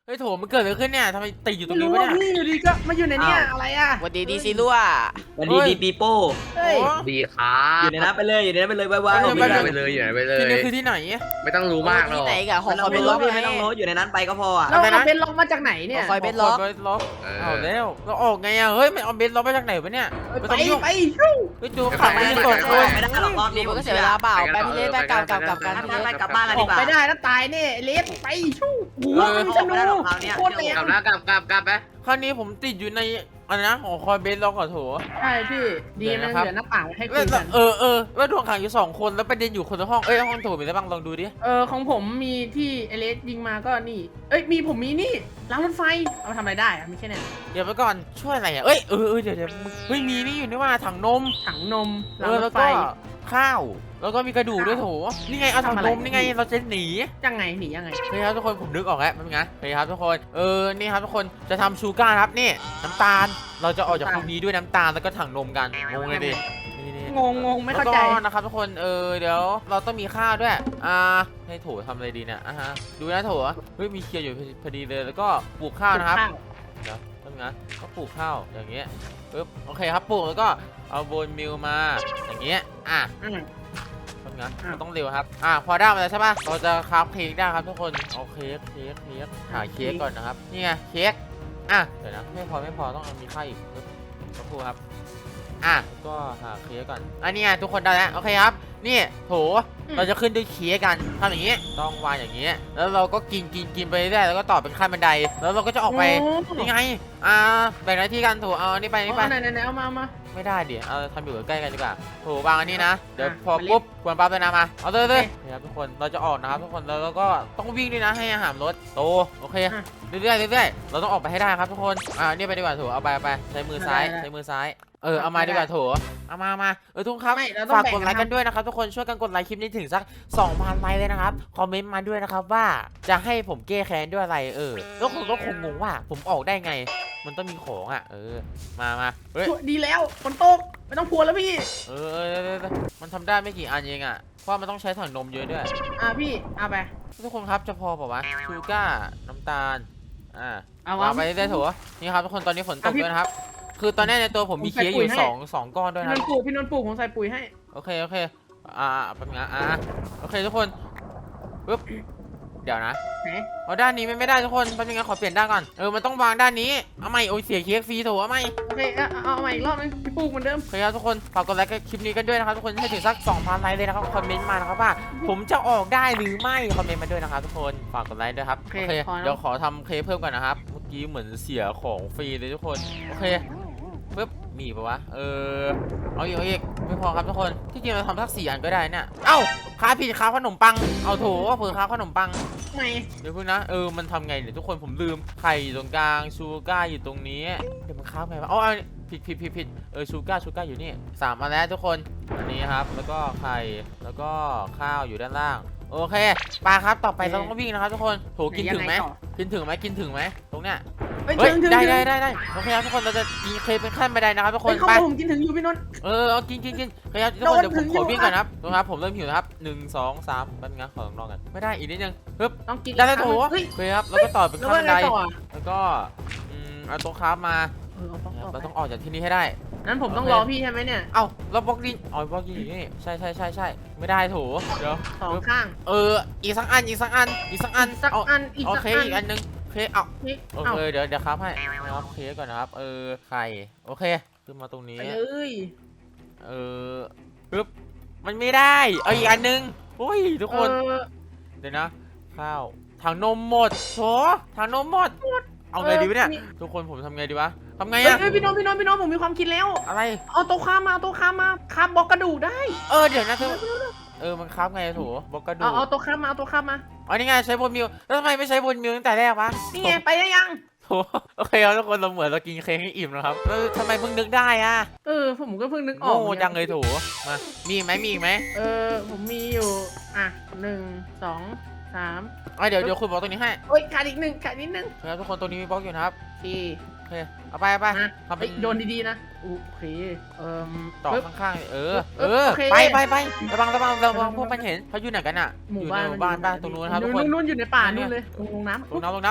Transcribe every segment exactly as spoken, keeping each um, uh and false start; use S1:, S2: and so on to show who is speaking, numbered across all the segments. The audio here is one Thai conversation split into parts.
S1: เฮ้ยโถมันเกิดอะไรขึ้นเนี่ยทำไมติดอยู่ตรง
S2: ไม่
S1: นี้
S2: รู้
S1: วะ
S2: ว่า
S1: เนี่ย
S2: พี่อยู่ดีก็มาอยู่ในเนี้ยอะไรอ่ะ
S3: วันดีดีซิลัว
S4: วันดีดีปีโป้
S2: เฮ้ย
S5: ดีครับ
S4: อยู่ในนั้นไปเลยอยู่ในนั้นไปเลยไว้ไว้
S1: เอา
S5: อยู่
S1: ไป
S5: ไหน
S1: เลย
S5: ไปเลยอยู่ไหนไปเล
S1: ที่นี่
S5: ย
S1: คือที่ไหน
S5: ไม่ต้องรู้มากหร
S3: ที่
S5: อก
S3: ไหนกับหอ
S4: ไม่
S3: ค
S4: ต้
S3: อ
S4: อย ง
S3: เป็น
S4: โน้
S3: ล็อ
S4: ต
S3: ก
S4: พี่
S3: ไง
S4: ไม่ต้องโน้ตอยู่ในนั้นไปก็พออ่ะ
S2: เราเอาเบนล็อกมาจากไหนเนี่ย
S3: คอยเบนล็อก
S1: เบนล็อก
S5: เอ
S1: เอา
S5: อ
S1: แล้วเราออกไงอะเฮ้ยมันเอาเบนล็อกมาจากไหนวะเนี่ยไม่
S2: ไป
S1: ต้องยุ่ง
S2: ไปชู้
S1: เฮ้ยจูขังไว้ในกด
S4: ไม่
S1: เลย
S4: ได้หรอกรอบ
S3: นี่
S4: นี้
S3: มันก็เสียเวลาเปล่าไปพี่เล่นไปกลับกลับกลับกัน
S4: ไปกลับบ้านกัน
S2: อ
S4: ดี
S2: อก
S4: กว่า
S2: ไปได้แล้วตายเนี่ยเลสไปชู้หัวมันจะนูโคตรแรง
S5: กลับแล้วกลับกลับกลับไป
S1: คราวนี้ผมติดอยู่ในอะไรนะหอคอยเบนล็อกก่อนโถ
S2: ใช่พี่ดีมันเหลือหน้าต่างให้คุ
S1: แล้ว
S2: ยกัน
S1: เออเออแล้วดวงขังอยู่สองคนแล้วประเด็นอยู่คนละห้องเอ้ยห้องโถมีอะไรบ้างลองดูดิ
S2: เออของผมมีที่เอเลสยิงมาก็นี่เอ้ยมีผมมีนี่รางรถไฟเอามาทำอะไรได้อะไม่ใช่เนี่ย
S1: เดี๋ยวไปก่อนช่วยอะไรอ่ะเอ้ยเออเออเดี๋ยวเดี๋ยวเฮ้ยมีนี่อยู่นี่ว่าถังนม
S2: ถังนม
S1: เอ
S2: ราง
S1: อ
S2: ร
S1: แล้
S2: ถ
S1: ว
S2: ไฟ
S1: ก็ข้าวแล้วก็มีกระดูกด้วยโถนี่ไงเอาถังนมนี่ไงเราจะหนี
S2: ยังไงหนียังไง
S1: เฮ้ยครับทุกคนผมนึกออกแล้วเป็นไงเฮ้ยครับทุกคนเออนี่ครับทุกคนจะทำชูการ์ครับนี่น้ำตาลเราจะออกจากตรงนี้ด้วยน้ำตาลแล้วก็ถังนมกันงงเลยดินี่นี่
S2: งงงงไม่เข้าใจ
S1: แล้วก็นะครับทุกคนเออเดี๋ยวเราต้องมีข้าวด้วยอ่าให้โถทำอะไรดีเนี่ยอ่ะฮะดูนะโถเฮ้ยมีเคียร์อยู่พอดีเลยแล้วก็ปลูกข้าวนะครับเดี๋ยวทำไงก็ปลูกข้าวอย่างเงี้ยปึ๊บโอเคครับปลูกแล้วก็เอาโบนมิลมาอย่างเงี้ยอ่ะ
S2: อืม
S1: ทำไง
S2: อ้าว
S1: ต้องเร็วครับอ่ะพอได้มาแล้วใช่ปะเราจะคราฟเค้กได้ครับทุกคนเอาเค้กเค้กเค้กหาเค้กก่อนนะครับนี่ไงเค้กอ่ะเดี๋ยวนะไม่พอไม่พอต้องเอามีข้าวอีกปึ๊บสักครู่ครับอ่ะก็หาเค้กก่อนอันนี้ไงทุกคนได้แล้วโอเคครับนี่โถเราจะขึ้นด้วยเค้กกันทำอย่างนี้ต้องวางอย่างนี้แล้วเราก็กินกินกินไปเรื่อยแล้วก็ต่อเป็นขั้นบันไดแล้วเราก็จะออกไปนี่ไงอ่าแบ่งหน้าที่กันโถเอาอันนี้ไปอันนี่ไป
S2: เอาไหนไหนไหนเอามาเอามา
S1: ไม่ได้ดิเอาทำอยู่ใกล้กันดีกว่าโถวางอันนี้นะ เดี๋ยว
S2: อ่ะ
S1: พอ
S2: มาลิฟต์
S1: ปุ๊บควรปั๊บเลยนะมา เอาเลยเลย
S2: โอเค
S1: นี่ครับทุกคน เราจะออกนะครับทุกคน แล้วเราก็ต้องวิ่งด้วยนะให้อาหารรถโต โอเค
S2: อ่ะ
S1: เรื่อยๆเรื่อยๆเราต้องออกไปให้ได้ครับทุกคน อ่านี่ไปดีกว่าโถเอาไปเอาไป ใช้มือซ้าย
S2: ได้ได้
S1: ใช้มือซ้าย เออ เอามาดีกว่าโถเอามามาเออทุกคนครับ
S2: ไม่เราต้อง
S1: ฝาก
S2: แบ่ง
S1: กดไลค์
S2: นะ
S1: กันด้วยนะครับ ทุกคน ช่วยกันกดไลค์คลิปนี้ถึงสัก สองพัน ไลค์เลยนะครับ คอมเมนต์มาด้วยนะครับว่าจะให้ผมแก้แค้นด้วยอะไร เออแล้วคนก็คงงงว่าผมออกได้ไง มันต้องมีของอ่ะ เออ มามาเฮ้ย
S2: ดีแล้วฝนตกไม่ต้องกลัวแล้วพี่
S1: เออเออเออเออมันทำได้ไม่กี่อันเองอ่ะ เพราะมันต้องใช้ถังนมเยอะด้วย
S2: อ่ะพี่เอาไป
S1: ทุกคนครับจะพอเปล่าวะชูก้าน้ำตาล อ่า
S2: เอา
S1: วาง
S2: วะ
S1: ไปได้โถนี่ครับทุกคนตอนนี้ฝนตก
S2: อ่ะพี่
S1: ด้วยนะครับ คือตอนนี้ในตัวผมมี
S2: ผมใส่
S1: เค้กอ
S2: ปุ๋ย
S1: ยู่
S2: ให้
S1: สองสองก้อนด้วย
S2: พี่
S1: นะ
S2: นนท์ปลูกพี่นนท์ปลูกผมใส่ปุ๋ยให้
S1: โอเคโอเค อ่าแป๊บนึงนะอ่าโอเคทุกคนปึ๊บ เดี๋ยวนะ
S2: ไหน
S1: เอาด้านนี้ไม่ไม่ได้ทุกคนแป๊บนึงนะขอเปลี่ยนด้านก่อน เออ มันต้องวางด้านนี้ เอาใหม่โอ้ยเสียเค้กฟรีโถเอาใหม่
S2: โอเคเอาเอาเอาใหม่อีกรอบนึงพี่ปลูกเหมือนเดิม
S1: โอเคครับทุกคนฝากกดไลค์คลิปนี้กันด้วยนะครับทุกคนให้ถึงสัก สองพัน ไลค์เลยนะครับคอมเมนต์มานะครับว่าผมจะออกได้หรือไม่คอมเมนต์มาด้วยนะครับทุกคนฝากกดไลค์ด้วยครับ
S2: โอเค
S1: โอเค
S2: พอแล้ว
S1: เดี๋ยวขอทำเค้กเพิ่มก่อนนะครับเมื่อกี้เหมือนเสียของฟรีเลยทุกคนโอเคปึ๊บมีปะวะเออเอาอีกเอาอีกไม่พอครับทุกคนที่จริงเราทำสักสี่อันก็ได้เนี่ยเอ้าค้าผิดค้าขนมปังเอาโถเผื่อค้าขนมปัง
S2: ไหน
S1: เดี๋ยวพึ่งนะเออมันทำไงเนี่ยทุกคนผมลืมไข่อยู่ตรงกลางชูก้าอยู่ตรงนี้เดี๋ยวมันค้าไงวะอ๋อเอาผิดผิดผิดผิดเออชูก้าชูก้าอยู่นี่สามอันแล้วทุกคนอันนี้ครับแล้วก็ไข่แล้วก็ข้าวอยู่ด้านล่างโอเคปลาครับต่อไปเราต้องวิ่งนะครับทุกคนโถกินถึงไหม
S2: ยังไงต่อ
S1: กินถึงไหมกินถึงไหมตรงเนี้ย
S2: เฮ้ย
S1: เฮ้ย
S2: ถึงถึง
S1: ได้
S2: ถึง
S1: ได้ได้ได้โอเคครับทุกคนเราจะกินเคยเป็นขั้นบันไดนะครับทุกค
S2: เฮ้
S1: น
S2: ยเข้า
S1: ไป
S2: มาผมกินถึงอยู่พี่นนท์
S1: เออเอากินกินกินโอเคครับทุกคน
S2: โดน
S1: เดี๋ยวผม
S2: ถึง
S1: ขอ
S2: อยู่
S1: วิ่งก่อนนะครับดูครับผมเริ่มหิวนะครับหนึ่งสองสามแป๊บนึงนะขอลองนอกกันไม่ได้อีกนิดนึงปึ๊บ
S2: ต้องกิน
S1: ได้แล้วโถ
S2: เฮ้ย
S1: โอเคครับแล้วก็ต่อเป็น
S2: แล้ว
S1: ขั้น
S2: ว่า
S1: บัน
S2: ไง
S1: ได
S2: ต่ออ่ะ
S1: แล้วก็อืมเอาตัวคราฟมา
S2: เออเอาต้อง
S1: เรา
S2: ต่อ
S1: ต้องออกจากที่นี่ให้ได้
S2: นั้นผมต้อง
S1: โอเค
S2: รอพี่ใช่ไหมเนี่ย
S1: เอ้าเราบล็อกดินอ๋อบล็อกดินอยู่นี่ใช่ใช่ใช่ใช่ไม่ได้โถเดี๋ยว
S2: สองข้าง
S1: เอออีกสักอันอีกสักอันอีกสักอัน
S2: สัก
S1: เอา
S2: อันอีก
S1: โอ
S2: สัก
S1: เค
S2: อัน
S1: อีกอันนึงโอเคเอา
S2: นี่
S1: โอ
S2: เอา
S1: เคเดี๋ยวเดี๋ยวครับให้ครับเคก่อนนะครับเออไข่โอเคขึ้นมาตรงนี้
S2: ไปเลย
S1: เออปึ๊บมันไม่ได้เอาอีกอันนึงโอ้ยทุกคน
S2: เออ
S1: เดี๋ยวนะข้าวถังนมหมดโถถังนมหมดเอาไงดีวะเนี่ยทุกคนผมทำไงดีวะทำไง
S2: เฮ้ย
S1: อะ
S2: เฮ้ยพี่น้องพี่น้องพี่น้องผมมีความคิดแล้ว
S1: อะไร
S2: เอาโต๊ะข้ามมาเอาโต๊ะข้ามมาคาบบล็อกกระดูกได้
S1: เออเดี๋ยวนะเธอเออมันครับไงโถบล็อกกระดู
S2: เอา
S1: ก
S2: เอาโต๊ะข้ามมาเอาโต๊ะข้ามมา
S1: อ๋อนี่ไงใช้บนมิวแล้วทำไมไม่ใช้บนมิวตั้งแต่แรกวะ
S2: นี่ไงไปได้ยัง
S1: โถโอเคครับทุกคนเราเหมือนเรากินเค้กให้อิ่มนะครับแล้วทำไมเพิ่งนึกได้อะ
S2: เออผมก็เพิ่งนึกออก
S1: โง่จังเลยโถมามีอีกไหมมีอีกไหม
S2: เออผมมีอยู่อ่ะหนึ่งสองสาม
S1: อ๋อเดี๋ยวเดี๋ยวคุณบอกตรงนี้ให้
S2: โอ้ยขาดอีกหนึ่งขาดนิดนึง
S1: ครับทุกคนตรงนี้มีบล็อกอยู่นะครับ
S2: สี่
S1: โอเคเอาไปเอาไป
S2: มา
S1: ทำเป็
S2: เฮ้
S1: น
S2: ยโยนดีๆนะโอเคเอ่ม
S1: ต่อ
S2: ปึ๊บ
S1: ข้างๆเออ
S2: เอ
S1: เอ
S2: อ
S1: อ
S2: โอเค
S1: ไปไปไประวังระวังระวังพวกมันเห็นเขาอยู่ไหนกันอ่ะ
S2: หมู่
S1: อยู่
S2: บ้า
S1: ใน
S2: น
S1: หมู่บ้านบ้านตรงนู้นนะครับทุกคน
S2: นู่นๆอยู่ในป่านู่นเลยลงน้ำ
S1: ลงน้ำลงน้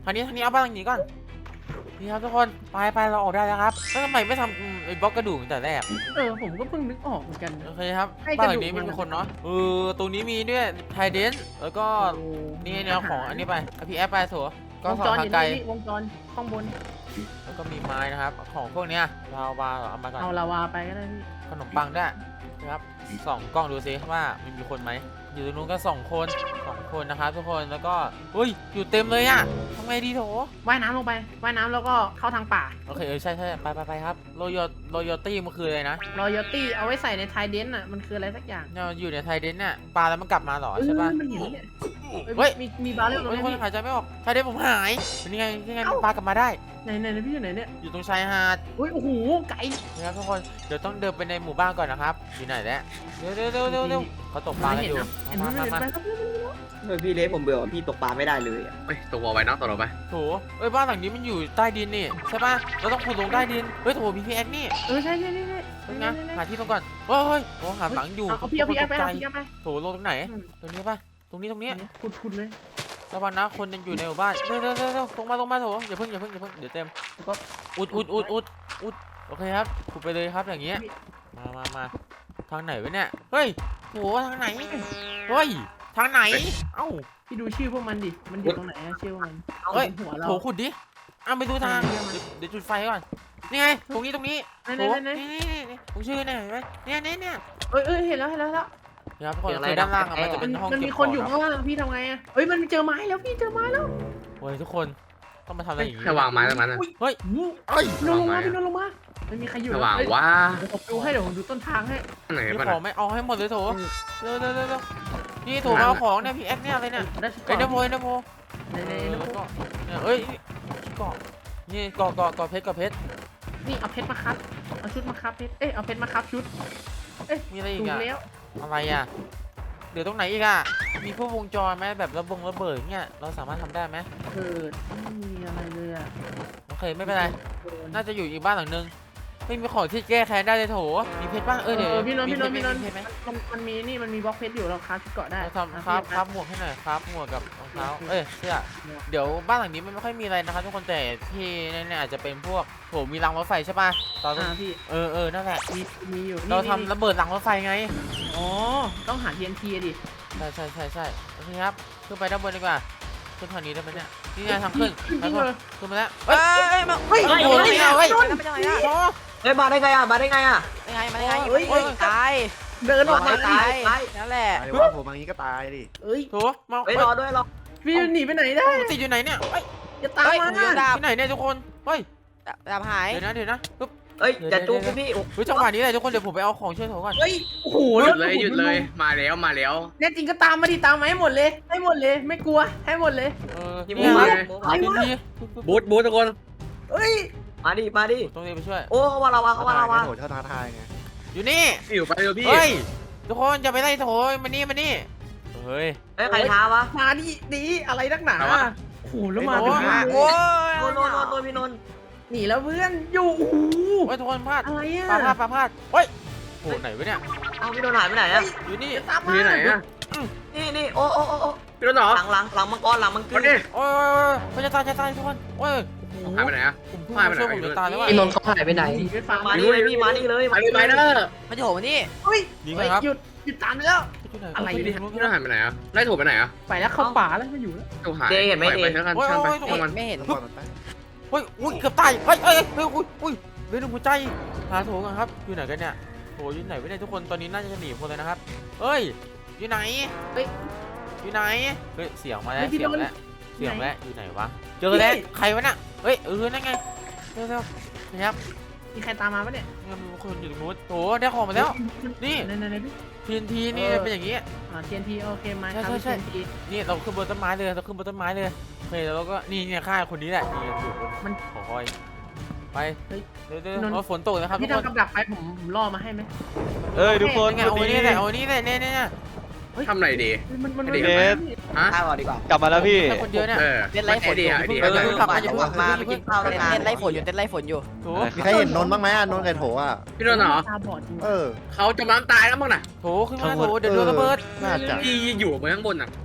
S1: ทางนี้ทางนี้เอาบ้านหลังนี้ก่อนนี่ครับทุกคนไปไปเราออกได้แล้วครับแล้วทำไมไม่ทำอืมไอ้บล็อกกระดูกตั้งแต่แรก
S2: เออผมก็เพิ่งนึกออกเหมือนกัน
S1: โอเคครับ
S2: ให้
S1: บ้าน
S2: ก
S1: ห
S2: ระ
S1: ลั
S2: ดูก
S1: งนี้
S2: มั
S1: มัน
S2: น
S1: มีคนเนาะเออตรงนี้มีด้วยไทเดนแล้วก็นี่แนวของอันนี้ไปเอาพี่แอปไปโถก็
S2: วง
S1: สอ
S2: จ
S1: ง
S2: รอ
S1: ทาง
S2: ยู่
S1: ไกล
S2: นี่วงจรข้างบน
S1: แล้วก็มีไม้นะครับของพวกเนี้ยเราวาเอามาก่อน
S2: เอาลาวาไปก็ได้พี่
S1: ขนมปังด้วยนะครับส่องกล้องดูซิว่ามันมีคนไหมอยู่ตรงนู้นก็สองคนสองคนนะครับทุกคนแล้วก็อุ้ยอยู่เต็มเลยอะทำไงดีโถ
S2: ว่ายน้ำลงไปว่ายน้ำแล้วก็เข้าทางป่า
S1: โอเคเออใช่ใช่ไปไปไปครับโรยโรยตี้มันคืออะไรนะ
S2: รอยตี้เอาไว้ใส่ในไทเดนอ่ะมันคืออะไรสักอย่าง
S1: เนี่ยอยู่ในไทเดนเนี่ยปลาแล้วมันกลับมาเหรอใช่ปะ
S2: เออมันอยู่เนี่ย
S1: เฮ้ย
S2: มีมีบาร์เรลตรง
S1: เฮ้ย
S2: นี้
S1: คน
S2: พี่
S1: หายใจไม่ออกไทเดนผมหายเป็นยังไงยังไงมันปลากลับมาได้
S2: ไหนไหนไหนพี่อยู่ไหนเนี่ย
S1: อยู่ตรงชายหาด
S2: อุ้ยโอ้โหไก่
S1: นะครับทุกคนเดี๋ยวต้องเดินไปในหมู่บ้านก่อนนะครับอยู่ไหนแล้วเร็วเร็วเร็วเร็วเร็วเขาตกปลากันอยู่
S2: เห็น
S1: มา
S2: ไหม
S1: มา
S2: เห็น
S1: มา
S2: ไหมครับ
S4: เฮ้ยพี่เล็กผมเบื่อพี่ตกปลาไม่ได้เลยอะ
S5: เฮ้ยตกลงไปน้องตกลงไป
S1: โถเอ้ยบ้านหลังนี้มันอยู่ใต้ดินนี่ใช่ปะเราต้องขุดลงใต้ดินเฮ้ยโถมีพีแอ็กนี่
S2: เออใช่ใช่ใช่ใช่
S1: เฮ้ยนะหาที่ตรงก่อนเฮ้ยเฮ้ยโอ้หาหลังอยู่
S2: เอาพี่เอาพี่เอาไป
S1: ตกใจ
S2: เอาพี่เอาไป
S1: โถลงตรงไหนตรงนี้ปะตรงนี้ตรงนี้
S2: ขุดขุดเลย
S1: ระวังนะคนยังอยู่ในหมู่บ้านเร็วเร็วเร็วเร็วลงมาลงมาโถอย่าเพิ่งอย่าเพิ่งอย่าเพิ่งเดี๋ยวเต็ม
S2: แล้วก็
S1: อุดอุดอุดอุดอุดโอเคครับขุดไปเลยครับอย่างเงี้ยมามามาทางไหนวะเนี่ยเฮ้ยโหทางไหนเฮ้ยทางไหนเอ้า
S2: พี่ดูชื่อพวกมันดิมันอยู่ตรงไหนอะชื่อพวกมัน
S1: เฮ้ย
S2: บนหัวเรา
S1: โถขุดดิเอาไปดูทาง
S2: เออ
S1: เดี๋ยวเดี๋ยวจุดไฟก่อนนี่ไงตรงนี้ตรงนี้
S2: ไหน
S1: โถ
S2: ไหนไหนไหน
S1: นี่นี่นี่ผมชื่อเนี่ยเห็นไหมเนี่ยเนี่ยเนี่ย
S2: เอ้ยเอ้ยเห็นแล้วเห็นแล้วเห็นแล้ว
S1: เดี๋ยวครับทุกคนคือด้านล่างอะมันจะ
S2: มั
S1: เป็น นห้อง
S2: มัน
S1: เก็
S2: มี
S1: บ
S2: คนอยู่
S1: ข
S2: ข้างล่างพี่ทำไงอะเอ้ยมันเจอไม้แล้วพี่เจอไม้แล้ว
S1: โอ้ยทุกคนต้องมาทำอะไรอย่างงี้
S5: ถ้าวางไม้ตรงนั้นนะ
S1: เฮ้ย
S2: อู้
S1: เอ้ย
S2: พี่นนท์ลงมาพี่นนท์ลงมาไม่มีใครอยู่
S5: ถ้าวาง
S2: เอ้ย
S5: ว่า
S2: เดี๋ยวผมดูให้เดี๋ยวผมดูต้นทางให้
S5: ไหน
S1: มี
S5: บ้าง
S1: ของไหม่เอาให้หมดเลยโถเร็วเร็วเร็วเร็วนี่โถมาเอาของเนี่ยพี่แอ็กเนี่ยอะไรเนี่ย
S2: ได้ชุด
S1: เอ็นเดอร์โพ
S2: เกาะ
S1: เอ็นเดอร์โพ
S2: ในใน
S1: เออ
S2: ใน
S1: แล้วก็เนี่ยเอ้ยเกาะนี่เกาะเกาะเกาะเพชรเกาะเพชร
S2: นี่เอาเพชรมาครับเอาชุดมาครับเพชรเอ้ยเอาเพชรมาครับชุด
S1: มีอะไรอี
S2: ถู
S1: ก
S2: ก
S1: อะ
S2: แล้ว
S1: อะไรอะเดี๋ยวตรงไหนอีกอะมีพวกวงจรไหมแบบระบงระเบิดเงี้ยเราสามารถทำได้ไหม
S2: เกิดไม่มีอะไรเลยอะ
S1: โอเคไม่เป็นไร
S2: เกิด
S1: น่าจะอยู่อีกบ้านหลังนึงไม่มีของที่แก้แค้นได้เลยโถมีเพชรป่ะเออเดี๋ยว
S2: เออพี่นนท์
S1: มี
S2: พี่นนท์
S1: เพ
S2: พี่
S1: ช
S2: น
S1: ร
S2: นท์
S1: มีเพชรไหม
S2: มันมันมีนี่มันมีบล็อกเพชรอยู่เราคราฟชุดเกาะได้
S1: เราทำครับครับหมวกให้หน่อยครับหมวกกับรองเท้าเอ้ยเสื้อเดี๋ยวบ้านหลังนี้มันไม่ค่อยมีอะไรนะครับทุกคนแต่ที่แน่ๆอาจจะเป็นพวกโถมีรางรถไฟใช่ป่ะตอน
S2: อ่าพี่
S1: เออเออนั่นแหละ
S2: มีมีอยู่
S1: เรา
S2: นี่
S1: ทำระเบิดรางรถไฟไง
S2: อ๋อต้องหา ที เอ็น ที อะดิ
S1: ใช่ใช่ใช่ใช่โอเคครับขึ้นไปด้านบนดีกว่าขึ้นทางนี้ได้ไหมเนี่ยนี่ไงทางขึ้น
S2: ขึ้น
S1: ไป
S2: จริง
S1: ก่อน
S2: เลย
S1: ขึ้นมาแล้ว
S3: เฮ้
S1: เฮ้
S3: ย
S1: ย
S3: เฮ้ยมา
S2: เฮ้ย
S1: โอ้โห
S2: เฮ้ย
S1: นี่ไงเฮ้ย
S3: โดนไปจังไงอะ
S1: โอ้
S4: เฮ้ยมาได้ไงอ่ะมาได้ไงอ่ะ
S3: ยังไงมายังไง
S2: เฮ้ย
S3: เฮ้ยตาย
S2: เดินออกมา
S3: ตาย
S4: ตาย
S3: นั่นแหละ
S6: ไอ้ว่าผมอย่างนี้ก็ตายดิ
S2: เอ้ย
S1: โถมา
S4: เฮ้ย
S1: เฮ้ย
S4: รอด้วยรอ
S2: พี่หนีไปไหนได้
S1: ติดอยู่ไหนเนี่ยเฮ้ย
S2: อย่าตาม
S3: เฮ้ย
S2: มา
S3: หมูดาบ
S1: ที่ไหนเนี่ยทุกคนเฮ้ย
S3: ดาบหาย
S1: เดี๋ยวนะเดี๋ยวนะปึ๊บ
S4: เฮ้ยอย่าจูบพี่โอ้
S1: เฮ้ยจังหวะนี้เลยทุกคนเดี๋ยวผมไปเอาของช่วยโถก่อน
S2: เฮ้ยโอ้โห
S5: หยุดเลยหยุดเลยมาแล้วมาแล้ว
S2: แน่จริงก็ตามมาดิตามมาให้หมดเลยให้หมดเลยไม่กลัวให้หมดเลย
S1: เออ
S4: พี่
S1: นี่
S4: หมู
S1: ไง
S4: หมู
S2: อะไร
S1: พื้น
S2: วะ
S1: ที่
S5: บูทบูททุกคน
S2: เฮ้ย
S4: มาดิมาดิ
S1: ต้องเรียนไปช่วย
S4: โอ้เขาว่าเราวะเขาว่าเราวะ
S6: โหดเขาท้าทายไง
S1: อยู่นี่
S5: พี่อยู่ไปเร็วพี่
S1: เฮ้ยทุกคนอย่าไปไล่โถมานี่มานี่เฮ้ย
S4: เฮ้ยใครท้าวะ
S2: มาดิดีอะไรนักหนาโอ้โหแล้วมา
S1: โอ้
S2: ถึง
S1: โห
S2: นี่
S3: โอ้ย
S4: โนนโนนโนนโนนพี่นนท์
S2: หนีแล้วเพื่อนอยู่โอ้โห
S1: เฮ้ยทุกคนพลาด
S2: อะไรอะ
S1: ปลาพลาดปลาพลาดเฮ้ยโหไหนวะเนี่ย
S4: เอาพี่นนท์หายไปไหนอ่ะ
S1: อยู่นี่
S2: อย่าตามมา
S5: พี่ไหนอะ
S4: นี่นี่โอ้โอ้โอ้โอ้
S5: พี่รถเหรอ
S4: หลังหลังหลังมังกรหลังมังก
S5: มาร ดิ
S1: โอ้ยโอ้ยจะตายจะตายทุกคนโอ้ย
S5: หายไปไหนอะ
S1: ผมเพิ่ง
S5: หายไป
S1: มา
S5: ไหน
S1: ช่วยผมจะตายแล้วว่ะ
S5: พี่
S2: นนท์เขาหายไปไหนหนีไปฟัง
S4: มานี่เลยพี่มานี่เลย
S5: ไปเลยไปเด้อ
S3: มันจะโหมานี่
S2: เฮ้ย
S1: ดีไหมครับ
S2: หยุดหยุดตามแล้ว อะไร
S5: พี่
S2: เนี่ย
S5: พี่รถหายไปไหนอะไล่ถูกไปไหนอะ
S2: ไปแล้วเข้าป่าแล้วไม่อยู่แล้ว
S5: ถูกหายไปเท่ากันช่างไปช่างมัน
S3: ไม่เห็น
S6: ต้องปล่อยมันไป
S1: เฮ้ยอุ้ยเกือบตายเฮ้ยเฮ้ยเฮ้ยอุ้ยอุ้ยเรื่องหัวใจหาโถกันครับอยู่ไหนกันเนี่ยโถอยู่ไหนวะเนี่ยทุกคนตอนนี้น่าจะหนีคนเลยนะครับเฮ้ยอยู่ไหน
S2: เฮ้ย
S1: อยู่ไหนเฮ้ยเสียงมาแล้ว
S2: เฮ้ยพี่
S1: เสียง
S2: โดน
S1: แล้วเสียง
S2: ไหน
S1: แล้วอยู่ไหนวะเจอแล้ว
S2: พี่
S1: ใครวะเนี่ยเฮ้ยเออนั่นไงเร็วเร็วนะครับ
S2: มีใครตามมาปะเนี่ย
S1: เนี่ยมีคนอยู่ตรงนู้นโถได้ของมาแล้ว นี่
S2: ไหนไหนไหนพี่
S1: ทีนทีนี่
S2: เออ
S1: เป็นอย่างงี้
S2: อ่า ที เอ็น ที โอเคมาครับ
S1: ใช่ใช่
S2: ที เอ็น ที
S1: นี่เราขึ้นบนต้นไม้เลยเราขึ้นบนต้นไม้เลยโอเคแล้วเราก็นี่เนี่ยฆ่าคนนี้แหละนี่อยู่บน
S2: มัน
S1: หอคอยไป
S2: เฮ้ย
S1: เดี๋ยวเดี๋ย
S2: พี่นนท์
S1: วฝนตกนะครับทุ
S2: พี่
S1: กคน
S2: ทำกับดักไปผมผมล่อมาให้ไหม
S6: เอ้ยทุกคน
S1: ไงเอาอันนี้แหละเอาอันนี้แหละเนี่ยเนี่ยเนี่ย
S5: ทำไรดี
S2: เฮ้ยมันมัน
S5: ไอ้
S2: มัน
S5: เด็ก
S2: มัน
S5: ฮะ
S4: ท้าวก่อนดีกว่า
S6: กลับมาแล้วพี่
S1: แค่คนเดียวเนี่ย
S5: เออ
S3: เต้นไล่ฝน
S5: ไอ
S3: อ
S5: เดี
S3: ยู่
S5: ยไอเดีย
S1: เออ
S4: กลับมาอย่าเพิ่งมาไปกินข้าว
S3: เต้
S4: กัน
S3: นเต้นไล่ฝนอยู่เต้นไล่ฝนอยู่
S1: โถ
S6: มีใครเห็นนนท์บ้างไหมอ่ะนนท์ไก่โถอ่ะ
S5: พี่รถเหรอ
S2: ตาบอดจริง
S6: เออ
S5: เขาจมน้ำตายแล้วมั้งน่ะ
S1: โถขึ้นมาโถเดี๋ยวโดนระเบิด
S6: น่าจะ
S5: พี่อยู่บนข้างบนน่ะ
S1: โถ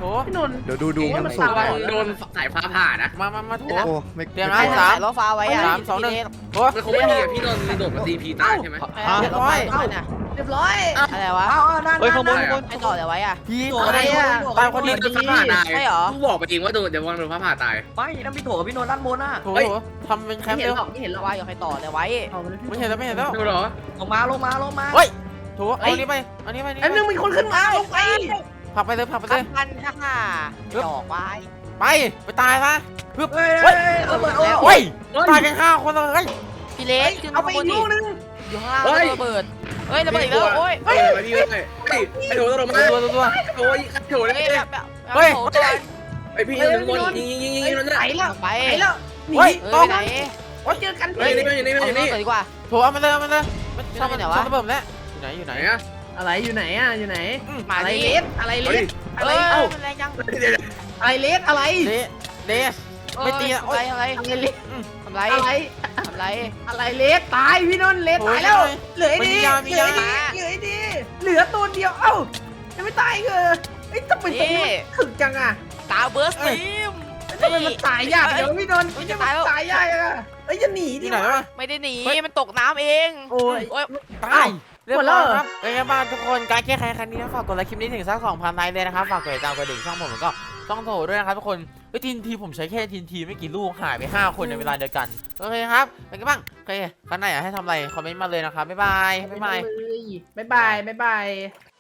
S1: ถู
S2: พี่นนท์
S6: เดี๋ยวดูดู
S2: โอ้ย
S6: มัน
S2: มัน
S6: สุ
S2: สาก ม
S5: ระวังโดนสายฟ้าผ่านะ
S1: มามามาถู
S6: โอ้ไม่
S1: เตรียม
S6: ไม่
S1: นะ
S6: กลัว
S1: สาม
S3: ล้อฟ้าไว้อะ
S1: สามสองหนึ่งถู
S5: มันคงไม่มีอะพี่นนท์โดดมาตีพีตายใช่ไหม
S1: เรียบร้อย
S2: เรียบร้อย
S3: อะไรวะ
S4: เอาเอานั่น
S6: เฮ้ยข้างบน
S4: นั่น
S6: ข้างบน
S3: ไอ้ต่อเดี๋ยวไว้อะ
S1: พี่
S4: ตัว
S1: อะ
S4: อะไร ไร
S1: อ่ะ
S4: อ่ะ
S1: ตายคน
S5: โด
S1: เดียวน
S5: ฟ้าผ่าตาย
S3: ใช่เหรอ
S5: กูบอกไปเองว่าโดนเดี๋ยววันโดนฟ้าผ่าตาย
S4: ไม่นั่นพี่โถกับพี่นนท์ด้านบนอ่ะ
S1: ถู
S5: เฮ้ย
S1: ทำเป็นแค
S2: ไม่
S1: มป์
S2: เห็น
S1: เร็ว
S2: หรอกไม่เห็นหรอก
S3: ว่าอยู่ใครต่อเดี๋ยวไว้
S2: เอาไปเลยพี่
S1: ไม่เห็นแล้วไม่เห็นแล้ว
S5: ดูเหรอ
S4: ลงมาลงมาลงมา
S1: เฮ้ยถูเอาอันนี้ไปอันนี้ไปอัน
S2: ไอ้
S1: นี้
S2: นึงมีคนขึ้นมาลงไป
S1: ผลักไปเลยผลักไป
S3: ขั
S1: เล
S3: บ
S1: ย
S3: พันค่ะค่ะดอกไว้
S1: ไปไปตายซะปึ๊บ
S4: เฮ้ย
S1: เฮ้ย
S4: เฮ้ยเอาเปิดโอ้
S1: เฮ้ยตายกันห้าคนเลย
S3: พี่เล็กขึ้น
S2: เอา
S3: มา
S2: ไป
S3: ข้างบ
S2: อี
S3: น
S2: ก
S3: ดิ
S2: ลูกนึง
S3: อยู่ข้างล่างระเบิดเฮ้ยระเบิดอีกแล้วโอ้ย
S5: เฮ้ยพี่เลยเฮ้ยไอ้โถตลงมา
S1: ตัวตัวตัว
S5: โอ้ยโถเลย
S3: เฮ้ยแบบแบบ
S1: เฮ้ย
S3: โถก่อน
S5: ไอพี่อยู่ข้างบนยิงยิงยิงยิงนั่น
S2: ไป
S5: น่ะ
S2: แล้ว
S3: ไป
S2: ไปแล้วหนี
S1: เฮ้ย
S3: เฮ้
S1: ต้
S3: ย
S1: อง
S3: ไปไหน
S2: โอ้ยเจอกัน
S5: เฮ้ยนี่มันอยู่นี่มัน
S3: เอา
S5: อยู่
S3: เงิ
S5: นี่
S3: นก่อนดีกว่า
S1: โถเอามาเลยเอามาเลยมัน
S3: อยู่
S1: ชอบมัน
S3: ไหนวะ
S1: ชอบระเบิดแล้วอยู่ไหนอยู่ไห
S5: ไห
S1: น
S5: นอะ
S2: อะไรอยู่ไหนอ่ะอยู่ไหน
S3: มา
S2: อะไร
S3: ดิ
S2: เลสอะไรเล
S5: เฮ้ย
S2: สอะไร
S3: เอ้ย
S2: เอ้า
S3: มันแรงจัง
S2: อะไรเลสอะไร
S1: เละเละไม่ตีนะ
S3: ทำ
S1: โอ๊
S3: ไร
S1: ย
S3: ทำไร
S2: อะไรเลส
S3: ทำไร
S2: อะไร
S3: ทำไร
S2: อะไรเลสตายพี่นนท์เลส
S1: โอ้ย
S2: ตายแล้ว
S1: ไม่
S2: เหลือไอ้
S1: ไม่
S2: ดี
S1: มียามี
S2: เหลือไอ้
S1: ยา
S2: ดีเหลือไอ้ดีเหลือตัวเดียวเอ้ายังไม่ตอีกเหรอไอ้ยทำไมตรงนี้มันถึกจังอ่ะ
S3: ตาเบิร์สตีม
S2: ทำไมมันตายยากเดี๋ยวพี่นนท์
S3: เฮ้ย
S2: จะ
S3: จะตายแล้ว
S2: ตายยากอ่ะเอ้ยจะหนีดิ
S1: ที่ไหน
S2: วะ
S1: วะ
S3: ไม่ได้หนี
S1: เฮ้ย
S3: มันตกน้ำเอง
S2: โอ้ย
S3: โอ้ย
S1: ตายเรียบ
S2: หมดแล้
S1: ร้อ
S2: วย เหรอ
S1: ครับเป็นไงบ้างทุกคนการแก้ไขครั้งนี้นะฝากกดไลค์คลิปนี้ถึงสักสองพันไลค์เลยนะครับฝากกดติดตามกระดิ่งช่องผมแล้วก็ช่องโถด้วยนะครับทุกคนเฮ้ยทีนทีผมใช้แค่ทีนทีไม่กี่ลูกหายไปห้าคนในเวลาเดียวกันโอเคครับเป็นไงบ้างโอเคครั้งไหนอยากให้ทำอะไรคอมเมนต์มาเลยนะครับบ๊ายบายบ๊ายบาย
S2: บ๊ายบายบ๊ายบาย